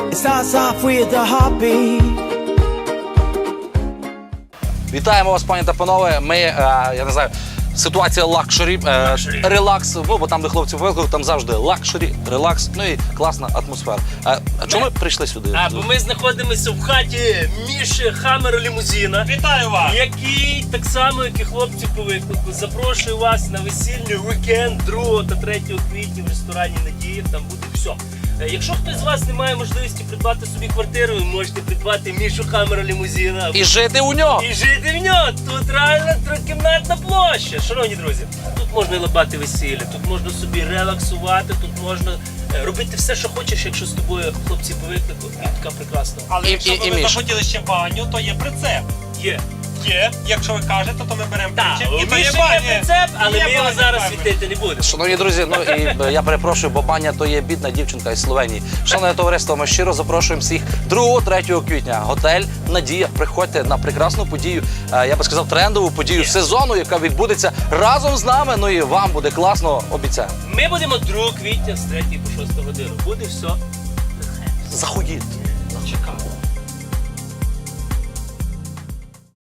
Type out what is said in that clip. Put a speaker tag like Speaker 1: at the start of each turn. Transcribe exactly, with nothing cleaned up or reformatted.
Speaker 1: starts off with a heartbeat.
Speaker 2: Вітаємо вас, пані та панове. Ми, е, я не знаю, ситуація лакшері, е, релакс, ну, бо там, де хлопці викликали, там завжди лакшері, релакс, ну і класна атмосфера. Е, а чому ми прийшли сюди?
Speaker 3: А, бо ми знаходимося в хаті Міші Хаммера Лімузина.
Speaker 4: Вітаю вас!
Speaker 3: Який, так само, як і хлопці по виклику, запрошую вас на весільний вікенд другого та третього квітня в ресторані «Надія». Там буде все. Якщо хтось з вас не має можливості придбати собі квартиру, ви можете придбати Мішу Хаммера Лімузина.
Speaker 2: І жити у нього!
Speaker 3: І жити в нього. Тут реально трикімнатна площа. Шановні друзі, тут можна лабати весілля, тут можна собі релаксувати, тут можна е, робити все, що хочеш, якщо з тобою хлопці по виклику. І така прекрасна.
Speaker 4: Але
Speaker 2: І-
Speaker 4: якщо
Speaker 2: і-
Speaker 4: ви
Speaker 2: і
Speaker 4: би
Speaker 2: Міш.
Speaker 4: захотіли ще баню, то є прицеп.
Speaker 3: Є.
Speaker 4: Є, якщо ви кажете, то ми беремо
Speaker 3: Так,
Speaker 4: причеп.
Speaker 3: у
Speaker 4: І то є
Speaker 3: Міші є
Speaker 4: баня.
Speaker 3: прицеп, але
Speaker 4: Є
Speaker 3: ми його
Speaker 4: баня,
Speaker 3: зараз
Speaker 4: правильно.
Speaker 3: світити не будемо.
Speaker 2: Шановні друзі, ну і е, я перепрошую, бо Баня то є бідна дівчинка із Словенії. Шановне товариство, ми щиро запрошуємо всіх другого-третього квітня. Готель «Надія». Приходьте на прекрасну подію, е, я би сказав, трендову подію сезону, яка відбудеться разом з нами. Ну і вам буде класно, обіцяю.
Speaker 3: Ми будемо другого квітня з третьої по шосту годину. Буде все.
Speaker 2: Заходіть.
Speaker 4: Чекаю.